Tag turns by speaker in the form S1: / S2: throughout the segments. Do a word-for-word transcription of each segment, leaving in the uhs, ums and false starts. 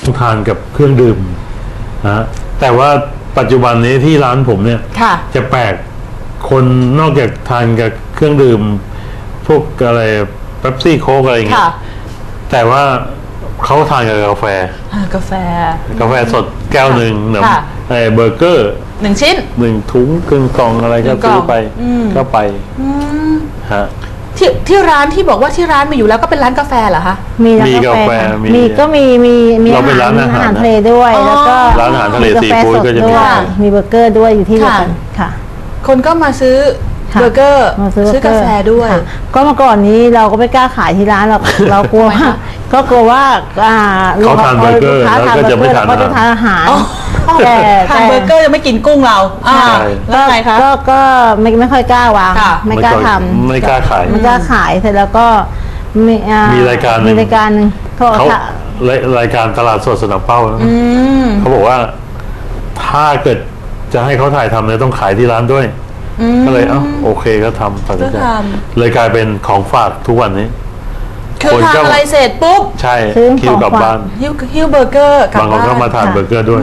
S1: ทานกับเครื่องดื่มนะแต่ว่าปัจจุบันนี้ที่ร้านผมเนี่ยจะแปลกคนนอกจากทานกับเครื่องดื่มพวกอะไรเป๊ปซี่โค้กอะไรอย่างเงี้ยแต่ว่าเขาทานกับกาแฟ
S2: กาแฟ
S1: กาแฟสดแก้วหนึ่งหนึ่งไอ้เบอร์เกอร์
S2: หนึ่งชิ้น
S1: หนึ่งถุงครึ่งกล่องอะไรก็ซื้อไปก็ไปฮะ
S2: ที่ที่ร้านที่บอกว่าที่ร้านมีอยู่แล้วก็เป็นร้านกาแฟเหรอคะ
S1: มีร้านกาแฟ
S3: มีก็มีมีมีอาหารอาหารทะเลด้วยแล้วก็
S1: ร้านอาหารทะเลซีฟู้ดก็จะมี
S3: มีเบอร์เกอร์ด้วยอยู่ที่เดียวกันค่ะ
S2: คนก็มาซื้อเบอร์เกอร์ซื้อกาแฟด้วย
S3: ก็เมื่อก่อนนี้เราก็ไม่กล้าขายที่ร้านเราเรากลัวก็กลัวว่า
S1: เขาทานเบอร์เกอร์แล้วก็จะไม่
S3: ทานอาหาร
S2: แต่ทานเบอร์เกอร์ยังไม่กินกุ้งเราแล้วไงคะ
S3: ก็ก็ไม่ไม่ค่อยกล้าวางไม่กล้าทำ
S1: ไม่กล้าขาย
S3: ไม่กล้าขายเสร็จแล้วก็
S1: มีรายการ
S3: มีรายการนึง
S1: เขารายการตลาดสดสนามเป้าเขาบอกว่าถ้าเกิดจะให้เขาถ่ายทำเนี่ยต้องขายที่ร้านด้วยก็เลยเอ้าโอเคก็ทำตัดสินใจเลยกลายเป็นของฝากทุกวันนี้
S2: คือทานอะไรเสร็จปุ๊บ
S1: ใช่คิวกลับบ้าน
S2: ฮิวฮิวเบอร์เกอร์
S1: บางคนก็มาทานเบอร์เกอร์ด้วย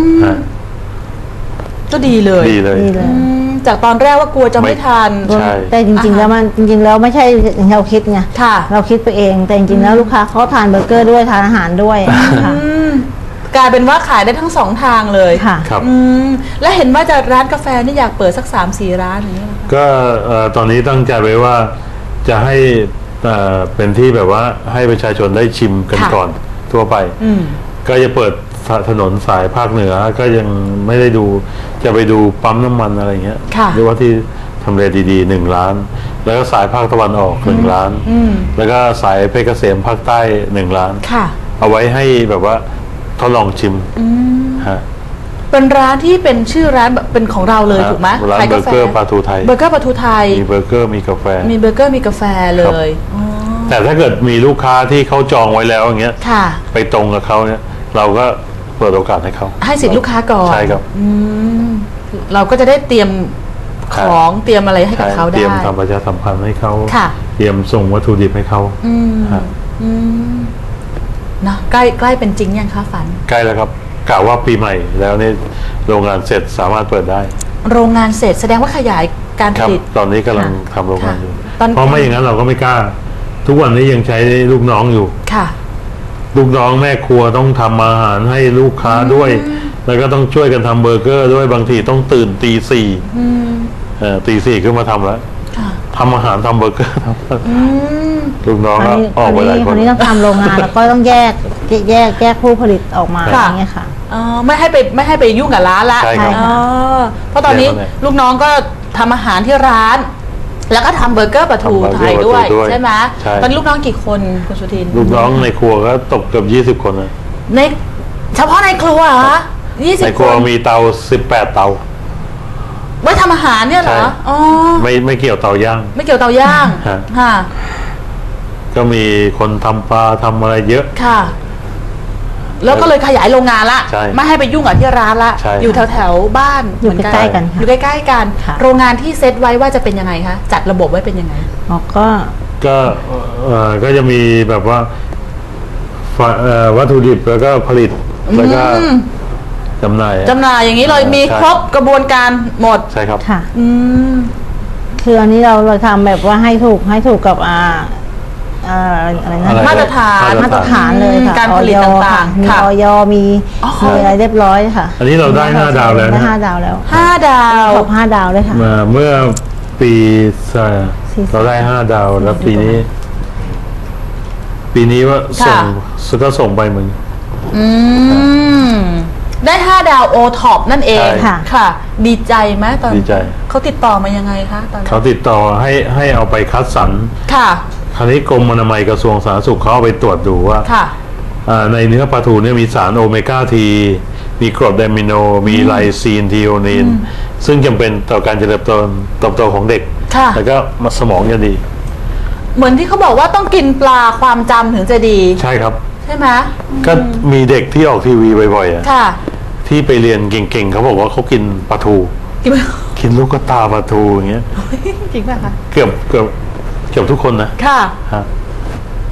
S2: ก็ดีเลย
S1: ดีเลย
S2: จากตอนแรกว่ากลัวจะไม่ทาน
S3: แต่จริงๆแล้วมันจริงๆแล้วไม่ใช่เราคิดไงเราคิดไปเองแต่จริงๆแล้วลูกค้าเขาทานเบอร์เกอร์ด้วยทานอาหารด้วยค่ะ
S2: กลายเป็นว่าขายได้ทั้งสองทางเลย
S3: ค่ะ
S1: ครับ
S2: และเห็นว่าจะร้านกาแฟนี่อยากเปิดสักสามสี่ร้านอย่างนี้
S1: ก็ตอนนี้ตั้งใจไว้ว่าจะให้เป็นที่แบบว่าให้ประชาชนได้ชิมกันก่อนทั่วไปก็จะเปิดถนนสายภาคเหนือก็ยังไม่ได้ดูจะไปดูปั๊มน้ำมันอะไรเงี้ยหรือว่าที่ทำเลดีๆหนึ่งล้านแล้วก็สายภาคตะวันออกหนึ่งล้านแล้วก็สายเพชรเกษมภาคใต้หนึ่งล้านเอาไว้ให้แบบว่าทดลองชิมฮะ
S2: เป็นร้านที่เป็นชื่อร้านเป็นของเราเลยถูกไหม
S1: ร้านเบอร์เกอร์ปลาทูไทย
S2: เบอร์เกอร์ปลาทูไทย
S1: มีเบอร์เกอร์มีกาแฟ
S2: มีเบอร์เกอร์มีกาแฟเลย
S1: แต่ถ้าเกิดมีลูกค้าที่เขาจองไว้แล้วอย่างเงี้ยไปตรงกับเขาเนี่ยเราก็เปิดโอกาสให้เขา
S2: ให้สิทธิลูกค้าก่อน
S1: ใช่ครับ
S2: เราก็จะได้เตรียมของเตรียมอะไรให้กับเขาได้
S1: เตรียมทำประชาสัมพันธ์ให้เขาเตรียมส่งวัตถุดิบให้เขา
S2: นะใกล้ใกล้เป็นจริงยังคะฝัน
S1: ใกล้แล้วครับกล่าวว่าปีใหม่แล้วนี่โรงงานเสร็จสามารถเปิดได้
S2: โรงงานเสร็จแสดงว่าขยายการผลิต
S1: ตอนนี้กำลังทำโรงงานอยู่เพราะไม่อย่างนั้นเราก็ไม่กล้าทุกวันนี้ยังใช้ลูกน้องอยู่
S2: ค่ะ
S1: ลูกน้องแม่ครัวต้องทำอาหารให้ลูกค้าด้วยแล้วก็ต้องช่วยกันทำเบอร์เกอร์ด้วยบางทีต้องตื่นตีสี่ตีสี่ขึ้นมาทำแล้วทำอาหารทำเบอร์เกอร์ทำลูกน้องออกไปหลายคน
S3: คนนี้ต้องทำโรงงานแล้วก็ต้องแยกแยกแยกผู้ผลิตออกมาอย่างเงี้ยค่ะ
S2: อ๋อไม่ให้ไปไม่ให้ไปยุ่งกับร้านละ
S1: ใช่ครับ
S2: เพราะตอนนี้ลูกน้องก็ทำอาหารที่ร้านแล้วก็ทำเบอร์เกอร์ปลาทูไทยด้วยใช่ไหมตอนนี้ลูกน้องกี่คนคุณสุทิน
S1: ลูกน้องในครัวก็ตกเกือบยี่สิบคนเลย
S2: ในเฉพาะในครัวเหรอยี่สิบคน
S1: ในครัวมีเตาสิบแปดเตา
S2: ไว้ทำอาหารเนี่ยเหรออ๋อ
S1: ไม่ไม่เกี่ยวเตาย่าง
S2: ไม่เกี่ยวเตาย่างค่ะ
S1: ก็มีคนทำปลาทำอะไรเยอะ
S2: ค่ะแล้วก็เลยขยายโรงงานละไม่ให้ไปยุ่งกับที่ร้านละอยู่แถวแถวบ้าน
S3: อยู่ใกล้ๆกัน
S2: อยู่ใกล้ๆกันโรงงานที่เซตไว้ว่าจะเป็นยังไงคะจัดระบบไว้เป็นยังไง
S3: อ๋อก็
S1: ก็เอ่อก็จะมีแบบว่าวัตถุดิบแล้วก็ผลิตแล้วก็จำหน่าย
S2: จำหน่ายอย่างนี้เลยมีครบกระบวนการหมด
S1: ใช่ครับ
S3: ค่ะอืมคืออันนี้เราเราทำแบบว่าให้ถูกให้ถูกกับอ่าอะไรนะ
S2: มาตรฐาน
S3: มาตรฐานเลยค่ะ
S2: การผลิตต่าง
S3: ๆมีออยมีมีอะไรเรียบร้อยค่ะ
S1: อันนี้เราได้ห้าดาวแล้ว
S3: นะห้าดาวแล้ว
S2: ห้าดาว
S3: ขอบห้าดาวเลยค่ะ
S1: เมื่อปีเราได้ห้าดาวแล้วปีนี้ปีนี้ว่าส่งก็ส่งไปเหมือน
S2: อืมได้ห้าดาวโอท็อปนั่นเองค่ะค่ะดีใจไหมตอน
S1: ดีใจ
S2: เขาติดต่อมายังไงคะตอน
S1: เขาติดต่อให้ให้เอาไปคัดสรร
S2: ค่ะ
S1: คราวนี้กรมอนามัยกระทรวงสาธารณสุขเขาเอาไปตรวจดูว่าในเนื้อปลาทูเนี่ยมีสารโอเมก้าทีมีกรดอะมิโนมีไลซีนทีโอนีนซึ่งจำเป็นต่อการเจริญเติบโตโตของเด็กแล้วก็สมองจะดี
S2: เหมือนที่เขาบอกว่าต้องกินปลาความจำถึงจะดี
S1: ใช่ครับ
S2: ใช่ไหม
S1: ก็มีเด็กที่ออกทีวีบ่อยๆอ่ะที่ไปเรียนเก่งๆเขาบอกว่าเขากินปลาทูกินลูกกระตาปลาทูอย่างเงี้ย
S2: จริงป่ะคะ
S1: เกือบเกือบเกือบทุกคนนะ
S2: ค่ะ
S1: ฮะ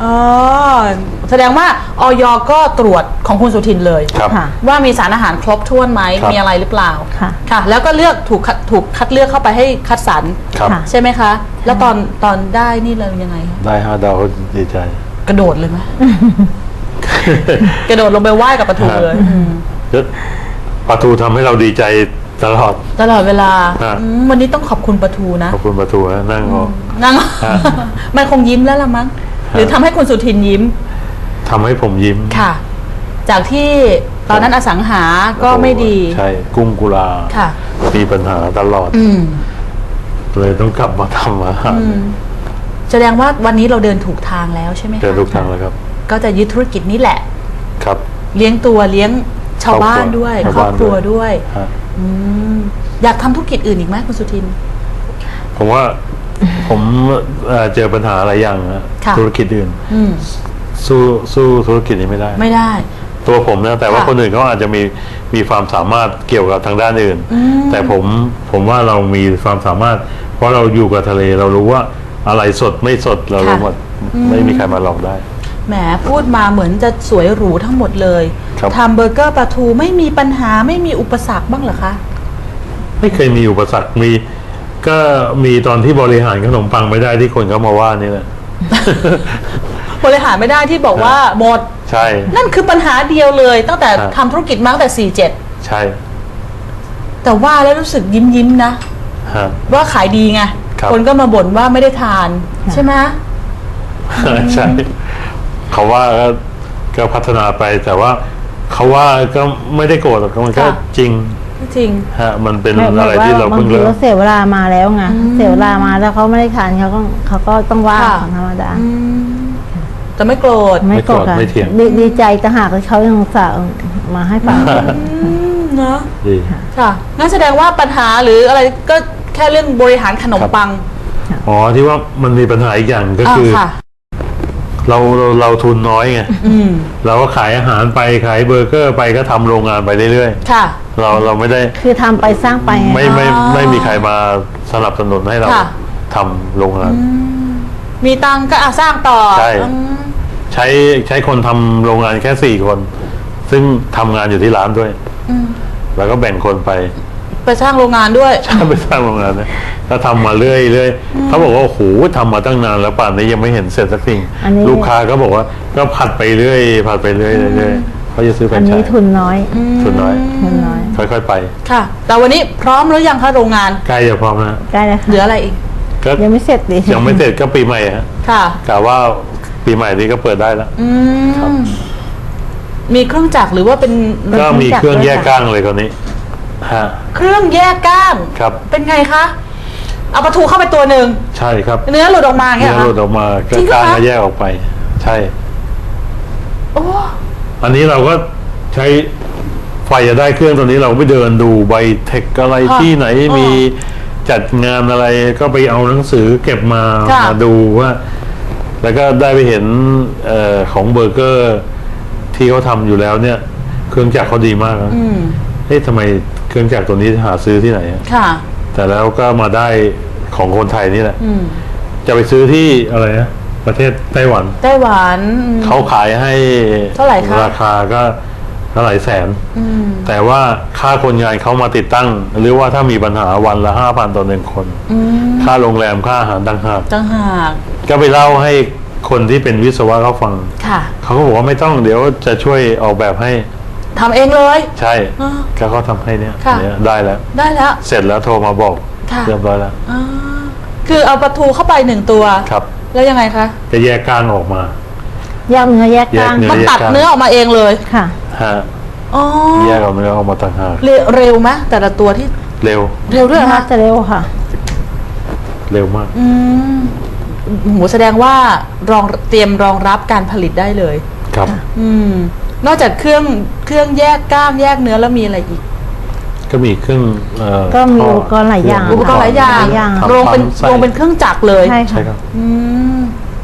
S2: อ๋อแสดงว่าออยก็ตรวจของคุณสุทินเลย
S1: ครับ
S3: ค่ะ
S2: ว่ามีสารอาหารครบถ้วนไหม
S1: ครับ
S2: มีอะไรหรือเปล่า
S3: ค่ะ
S2: ค่ะ แล้วก็เลือกถูกคัดถูกคัดเลือกเข้าไปให้คัดสรร
S1: ครับ
S3: ค่ะ
S2: ใช่ไหมคะ แล้วตอนตอนได้นี่เรายังไงคะ
S1: ได้ห้าดาวก็ดีใจ
S2: กระโดดเลยไหม กระโดดลงไปไหว้กับปะทูเลยอืม
S1: แล้วปลาทูทำให้เราดีใจตลอด
S2: ตลอดเวลา
S1: ฮะ
S2: อืมวันนี้ต้องขอบคุณปะทูนะ
S1: ขอบคุณปลาทูนะนั่งรอ
S2: นั่ง
S1: ฮะ
S2: มันคงยิ้มแล้วละมั้ง หรือทำให้คุณสุทินยิ้ม
S1: ทำให้ผมยิ้ม
S2: ค่ะ จากที่ตอนนั้นอสังหาก็ไม่ดี
S1: ใช่กุ้งกุลา
S2: ค่ะ
S1: มีปัญหาตลอด
S2: อืม
S1: เลยต้องกลับมาทำอาหาร
S2: อืม แสดงว่าวันนี้เราเดินถูกทางแล้วใช่ไหมคะ
S1: เจอทุกทางแล้วครับ
S2: ก็จะยึดธุรกิจนี้แหละ
S1: ครับ
S2: เลี้ยงตัวเลี้ยงชาวบ้านด้วย
S1: ชาว
S2: ครอบ
S1: บ้าน
S2: ครัว
S1: ด้วย
S2: ด้วย
S1: ฮะ
S2: อืมอยากทำธุรกิจอื่นอีกไหมคุณสุทิน
S1: ผมว่า ผมเอ่อเจอปัญหาอะไรอย่างนะ
S2: ค่ะ
S1: ธุรกิจอื่น
S2: อืม
S1: สู้สู้ธุรกิจนี้ไม่ได้
S2: ไม่ได้
S1: ตัวผมนะแต่ว่า
S2: ค่ะ
S1: คนอื่นเขาอาจจะมีมีความสามารถเกี่ยวกับทางด้านอื่น
S2: อืม
S1: แต่ผมผมว่าเรามีความสามารถ เพราะเราอยู่กับทะเลเรารู้ว่าอะไรสดไม่สดเรารู้หมดไม่มีใครมาหลอกได้
S2: แหมพูดมาเหมือนจะสวยหรูทั้งหมดเลย
S1: ครับ
S2: ทำเบอร์เกอร์ปลาทูไม่มีปัญหาไม่มีอุปสรรคบ้างเหรอคะ
S1: ไม่เคยมีอุปสรรคมี ก็มีตอนที่บริหารขนมปังไม่ได้ที่คนเขามาว่านี่แหละ
S2: บริหารไม่ได้ที่บอกว่าหมด
S1: ใช่
S2: นั่นคือปัญหาเดียวเลย ตั้งแต่
S1: ครับ
S2: ทำธุรกิจมาตั้งแต่สี่เจ็ด
S1: ใช่
S2: แต่ว่าแล้วรู้สึกยิ้มยิ้มๆนะ
S1: ฮะ
S2: ว่าขายดีไง
S1: ครับ
S2: คนก็มาบ่นว่าไม่ได้ทาน ใช่ไหม
S1: ใช่เขาว่าก็ก็พัฒนาไปแต่ว่าเขาว่าก็ไม่ได้โกรธหรอกมันก็
S2: ค่ะ
S1: จริง
S2: จริง
S1: ฮะมันเป็น
S3: ไม่
S1: อะไรที่เรา
S3: บาง
S1: เพิ่ง
S3: ที
S1: เริ่ม
S3: เขาเสียเวลามาแล้วไงเสียเวลามาแล้วเขาไม่ได้ทานเขาก็เขาก็ต้องว่า
S2: ค่ะ
S3: ของธรรมดา
S2: อืมแต่ไม่โกรธ
S3: ไม่โกรธ
S1: ไม่โกรธ
S3: ค่ะ
S1: ไม่เถียง
S3: ดีดีใจแต่หากเขายังอุตส่าห์มาให้ฟัง
S2: อืมเนาะ
S1: ดี
S2: ค่ะงั้นแสดงว่าปัญหาหรืออะไรก็แค่เรื่องบริหารขนม
S1: ครับ
S2: ปัง
S1: อ๋อที่ว่ามันมีปัญหาอีกอย่างก็คือ
S2: ค่ะ
S1: เราเราเราทุนน้อยไง
S2: อืม
S1: เราก็ขายอาหารไปขายเบอร์เกอร์ไปก็ทำโรงงานไปเรื่อย
S2: ค่ะ
S1: ๆเราเราไม่ได้
S3: คือทำไปสร้างไปไง
S1: ไม่ไม่
S2: อ๋อ
S1: ไม่มีใครมาสนับสนุนให้เรา
S2: ค่ะ
S1: ทำโรงงาน
S2: มีตังค์ก็อ่ะสร้างต่อ
S1: ใช่
S2: อืม
S1: ใช้ใช้คนทำโรงงานแค่สี่คน ซึ่งทำงานอยู่ที่ร้านด้วย
S2: อืม
S1: แล้วก็แบ่งคนไป
S2: ไปสร้างโรงงานด้วย
S1: ไปสร้างโรงงานนะก็ทำมาเรื่อยเรื่อยเขาบอกว่าโอ้โหทำมาตั้งนานแล้วป่านนี้ยังไม่เห็นเสร็จสักที
S3: อันนี้
S1: ลูกค้าก็บอกว่าก็ผัดไปเรื่อยผัดไปเรื่อยเรื่อยเขาจะซื้อแฟร
S3: อั
S1: น
S3: น
S1: ไช
S3: นี้
S1: ส์
S3: ทุนน้อย
S1: ทุนน้อย
S3: ทุนน้อย
S1: ค่อยๆไป
S2: ค่ะ แต่วันนี้พร้อมหรือยังคะโรงงาน
S1: ใกล้จะพร้อมนะ
S3: ได้แล้ว
S2: เหลื
S3: ค่ะ
S2: ออะไรอีก
S1: ก็
S3: ยังไม่เสร็จดิ
S1: ยังไม่เสร็จก็ปีใหม่ฮะ
S2: ค่ะ
S1: กะว่าปีใหม่นี้ก็เปิดได้แล้ว
S2: อื
S1: ครับ
S2: ม มีเครื่องจักรหรือว่าเป็น
S1: ก็มีเครื่องแยกก้างเลยคนนี้ฮะ
S2: เครื่องแยกก้าง
S1: ครับ
S2: เป็นไงคะ เอาปลาทูเข้าไปตัวหนึ่ง
S1: ใช่ครับ
S2: เนื้อหลุดออกมาอย่างเงี้
S1: เนื้
S2: ย
S1: อ
S2: เหรอ
S1: หลุดออกมาก็
S2: จริงเหรอ
S1: ก้าง
S2: คะ
S1: ก็แยกออกไป ใช่
S2: โอ้
S1: อันนี้เราก็ใช้ไฟจะได้เครื่องตัวนี้เราไปเดินดูใบเทคอะไรที่ไหนมีจัดงานอะไรก็ไปเอาหนังสือเก็บมา
S2: ค่ะ
S1: มาดูว่า แล้วก็ได้ไปเห็นเออของเบอร์เกอร์ที่เขาทำอยู่แล้วเนี่ย เครื่องจักรเขาดีมากนะ
S2: อืม
S1: เฮ้ยทำไมเครื่องจักรตัวนี้หาซื้อที่ไหนอะ
S2: ค่ะ
S1: แต่แล้วก็มาได้ของคนไทยนี่แหละ
S2: อืม
S1: จะไปซื้อที่อะไรนะประเทศไต้หวัน
S2: ไต้หวันอืม
S1: เขาขายให้
S2: เท่าไหร่คะ
S1: ราคาก็เท่าไหร่แสน
S2: อืม
S1: แต่ว่าค่าคนงานเขามาติดตั้ง หรือว่าถ้ามีปัญหาวันละห้าพันต่อหนึ่งคน
S2: อืม
S1: ค่าโรงแรมค่าอาหารต่างหาก
S2: จังหาก
S1: ก็ไปเล่าให้คนที่เป็นวิศวะเขาฟัง
S2: ค่ะ
S1: เขาก็บอกว่าไม่ต้องเดี๋ยวจะช่วยออกแบบให้
S2: ทำเองเลย
S1: ใช่
S2: อ่า
S1: ก็เขาทำให้เนี่ย
S2: ค่ะ
S1: เนี่ยได้แล้ว
S2: ได้แล้ว
S1: เสร็จแล้วโทรมาบอก
S2: ค่ะ
S1: เรียบร้อยแล้ว
S2: อ่าคือเอาปลาทูเข้าไปหนึ่งตัว
S1: ครับ
S2: แล้วยังไงคะ
S1: จะแยกก้างออกมา
S3: แยกเนื้อแยกกลาง
S1: แยกเนื้
S2: มันตัดเนื้อออกมาเองเลย
S3: ค่ะ
S1: ฮะ
S2: อ๋อ
S1: แยกเอาเนื้อออกมาต่างหาก
S2: เร็วเร็วไหมแต่ละตัวที่
S1: เร็ว
S2: เร็วด้วยเหรอ
S3: น่า
S2: คะ
S3: จะเร็วค่ะ
S1: เร็วมาก
S2: อืมโหแสดงว่ารองเตรียมรองรับการผลิตได้เลย
S1: ครับ
S2: อืม นอกจากเครื่องเครื่องแยกกล้างแยกเนื้อแล้วมีอะไรอีก
S1: ก็มีเครื่องเอ่อ
S3: ก็มี
S1: ท่
S3: อุปกรณ์หลายอย่าง
S2: อุปกรณ์หลายอย่าง
S3: หลายอย่าง
S1: ทำ
S2: โรงเป็น
S1: ปั๊มไส้
S2: โรงเป็นเครื่องจักรเลย
S3: ใช่
S1: ใช่
S3: ค่ะ
S1: ครับ
S2: อืม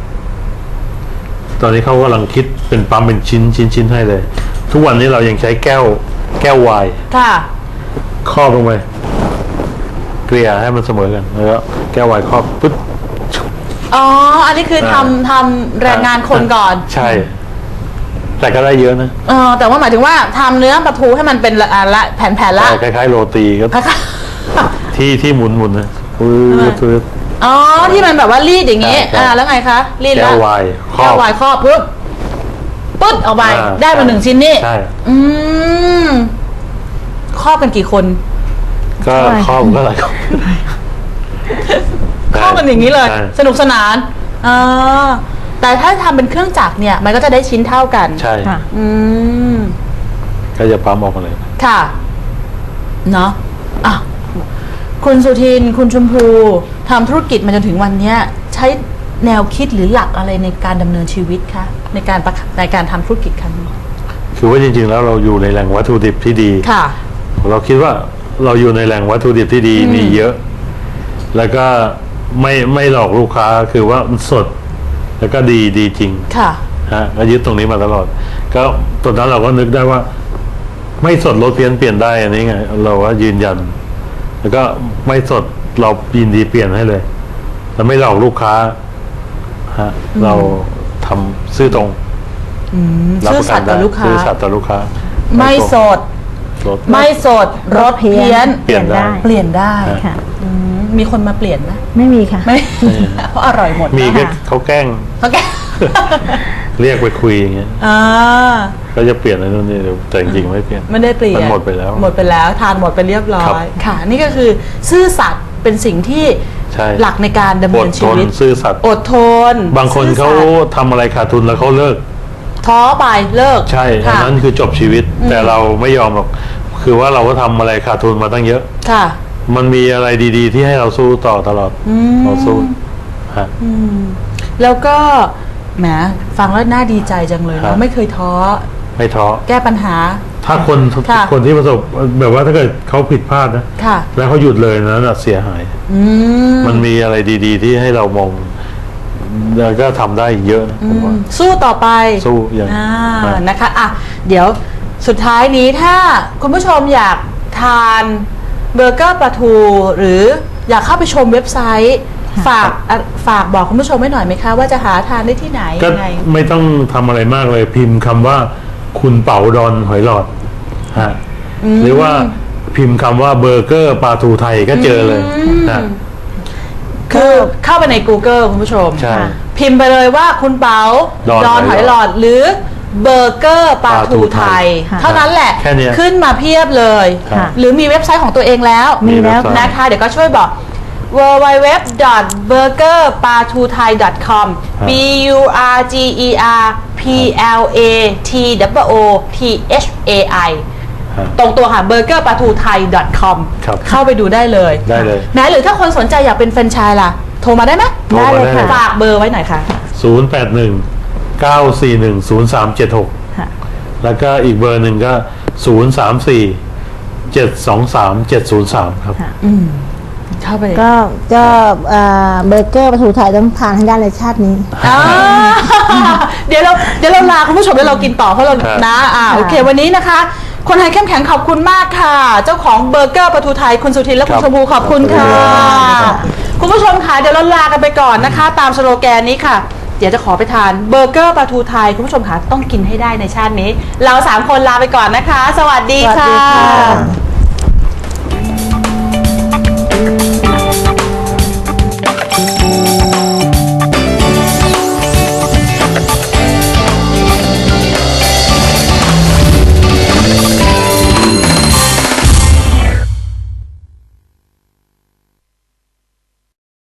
S1: ตอนนี้เขากำลังคิดเป็นปั๊มเป็นชิ้นชิ้นชิ้นให้เลย ทุกวันนี้เรายังใช้แก้ว แก้วไวน์
S2: ค่ะ
S1: ครอบลงไปเกลี่ยให้มันเสมอกันแล้วก็แก้วไวน์ครอบปึ๊บ
S2: อ๋ออันนี้คือทำทำแรงงานคนก่อน
S1: ใช่ แต่ก็ได้เยอะนะ
S2: เออแต่ว่าหมายถึงว่าทำเนื้อปลาทูให้มันเป็นละอ่าละแผ่นๆละ
S1: คล้ายๆโรตีก็ที่ที่หมุนหมุนนะฟื้นฟื้น
S2: อ๋อที่มันแบบว่ารีดอย่างงี้
S1: ใช่
S2: อ่าแล้วไงคะรีด
S1: แก้
S2: แล้ว
S1: วายครอบ
S2: แก้ววายครอบปุ๊บปึ๊ดออกไป
S1: อ่า
S2: ได้มาหนึ่งชิ้นนี่
S1: ใช่
S2: อืมครอบกันกี่คน
S1: ก็ครอบก็หลายคน
S2: ครอบกันอย่างนี้เลย
S1: ใช่
S2: สนุกสนานอ่าแต่ถ้าทำเป็นเครื่องจักรเนี่ย มันก็จะได้ชิ้นเท่ากัน
S1: ใช่
S3: ค่ะ
S2: อืม
S1: ก็จะปั๊มออกมาเลย
S2: ค่ะเนาะอ่ะคุณสุทินคุณชมพูทำธุรกิจมาจนถึงวันเนี้ย ใช้แนวคิดหรือหลักอะไรในการดำเนินชีวิตคะในการประในการทำธุรกิจครั้งนี้
S1: คือว่าจริง ๆ แล้วเราอยู่ในแหล่งวัตถุดิบที่ดี
S2: ค่ะ
S1: เราคิดว่าเราอยู่ในแหล่งวัตถุดิบที่ดีมีเยอะ แล้วก็ไม่ไม่หลอกลูกค้าคือว่ามันสด แล้วก็ดีดีจริง
S2: ค่ะ
S1: ฮะก็ยึดตรงนี้มาตลอด ก็ตอนนั้นเราก็นึกได้ว่า ไม่สดลดเพี้ยนเปลี่ยนได้อันนี้ไง เราว่ายืนยัน แล้วก็ไม่สดเรายินดีเปลี่ยนให้เลยเราไม่หลอกลูกค้าฮะเราทำซื่อตรง
S2: อืม
S1: รับ
S2: ซื่อ
S1: ประ
S2: สั
S1: กั
S2: ต
S1: น
S2: ย์
S1: ได้
S2: ต่อลูกค้า
S1: ซื่อสัตย์ต่อลูกค้า
S2: ไม่สด
S1: ลด
S2: ไม่สดรสเพี้ยน
S1: เปลี่ยนได้
S2: เปลี่ยนได้
S3: ค่ะ
S2: อืมมีคนมาเปลี่ยนไหม
S3: ไม่มีค่ะ
S2: ไม่ เพราะอร่อยหมด
S1: มี
S2: นะ
S1: ก็เขาแกล้ง
S2: โอเค
S1: เรียกไปคุยอย่างเงี้ย
S2: อ่า
S1: ก็จะเปลี่ยนอะไรนู่นนี่แต่จริงๆไม่เปลี่ยน
S2: ไม่ได้เปลี่ยน
S1: มันหมดไปแล้ว
S2: หมดไปแล้วทานหมดไปเรียบร้อ
S1: ครับ
S2: ยค่ะ นี่ก็คือซื่อสัตย์เป็นสิ่งที่
S1: ใช่
S2: หลักในการดำ
S1: อ
S2: เนิ
S1: ด
S2: น
S1: ท
S2: ชี
S1: น
S2: วิต
S1: ซื่อสัตย์
S2: อดทน
S1: บางคน
S2: ซื่อ
S1: เขา
S2: สัตย์
S1: ทำอะไรขาดทุนแล้วเขาเลิก
S2: ท้อไปเลิก
S1: ใช่อัน
S2: ค่ะ
S1: นั้นคือจบชีวิต แต่เราไม่ยอมหรอกคือว่าเราก็ทำอะไรขาดทุนมาตั้งเยอะ
S2: ค่ะ
S1: มันมีอะไรดีๆ ที่ให้เราสู้ต่อตลอดเราสู้ฮะ
S2: แล้วก็แหมฟังแล้วน่าดีใจจังเลย
S1: ครั
S2: เนาะ
S1: บ
S2: ไม่เคยท้อ
S1: ไม่ท้อ
S2: แก้ปัญหา
S1: ถ้าคน
S2: ค่ะ
S1: คนที่ประสบแบบว่าถ้าเกิดเขาผิดพลาดนะ
S2: ค่ะ
S1: แล้วเขาหยุดเลยนะน่ะเสียหาย
S2: อืม
S1: มันมีอะไรดีๆ ที่ให้เรามองแล้วก็ทำได้เยอะนะผมว่า
S2: สู้ต่อไป
S1: สู้อย่าง
S2: อ่า
S1: อ่าน
S2: นะคะอ่ะเดี๋ยวสุดท้ายนี้ถ้าคุณผู้ชมอยากทานเบอร์เกอร์ปลาทู หรืออยากเข้าไปชมเว็บไซต์ ฝากอ่ะฝากบอกคุณผู้ชมไว้หน่อยไหมคะ ว่าจะหาทานได้ที่ไหน
S1: ก็
S2: ยังไง
S1: ไม่ต้องทำอะไรมากเลยพิมพ์คำว่าคุณเป๋าดอนหอยหลอดฮะหรือว่าพิมพ์คำว่าเบอร์เกอร์ปลาทูไทยก็เจอเลยฮะ
S2: คือเข้าไปใน Google คุณผู้ชม
S1: ใช่
S2: พิมพ์ไปเลยว่าคุณเป๋า
S1: ดอน
S2: ดอน
S1: ห
S2: ห
S1: อ
S2: อย ย
S1: ห
S2: ห
S1: ล
S2: ล
S1: อ
S2: อ
S1: ด
S2: ดหรือเบอร์เกอร์ปลาทูไทย
S3: ค่ะ
S2: เท่านั้นแหละ
S1: แค่เนี้ย
S2: ขึ้นมาเพียบเลย
S3: ค่ะ
S2: หรือมีเว็บไซต์ของตัวเองแล้ว
S3: มีแล้ว
S1: เว็บไซต์
S2: นะคะ เดี๋ยวก็ช่วยบอก ดับเบิลยู ดับเบิลยู ดับเบิลยู ดอท เบอร์เกอร์ปลาทูไทย ดอท คอม
S1: ครับ
S2: b u r g e r p l a t w o t h a i
S1: ฮะ
S2: ตรงตัวค่ะ เบอร์เกอร์ปลาทูไทย ดอท คอม
S1: ครับ
S2: เข้าไปดูได้เลย
S1: ได้เลย
S2: แม้หรือถ้าคนสนใจอยากเป็นแฟรนไชส์ล่ะ โทรมาได้ไหม
S1: โทรมาได้เลย
S2: ฝากเบอร์ไว้หน่อยค่ะ
S1: ศูนย์แปดหนึ่งเก้าสี่หนึ่งศูนย์สามเจ็ดหก
S3: ค่ะ
S1: แล้วก็อีกเบอร์หนึ่งก็ศูนย์สามสี่เจ็ดสองสามเจ็ดศูนย์สามครับ
S3: ค่ะ
S2: เข้าไป
S3: ก็ก็เอ่อเบอร์เกอร์ปลาทูไทยต้องทานให้ได้ในชาตินี้
S2: อ่า เดี๋ยวเราเดี๋ยวเราลาคุณผู้ชมแล้วเรากินต่อเพราะเรา
S1: ครับ
S2: นะอ่าโอเค วันนี้นะคะ คนไทยเข้มแข็งขอบคุณมากค่ะ เจ้าของเบอร์เกอร์ปลาทูไทยคุณสุทินและคุณชมพูขอบคุณค่ะ
S1: ครับ
S2: คุณผู้ชมค่ะเดี๋ยวเราลากันไปก่อนนะคะ ตามสโลแกนนี้ค่ะ เดี๋ยวจะขอไปทานเบอร์เกอร์ปลาทูไทยคุณผู้ชมค่ะต้องกินให้ได้ในชาตินี้ เราสามคนลาไปก่อนนะคะ สวัสดี
S3: สวัส
S2: ค่ะ
S3: ดีค่ะ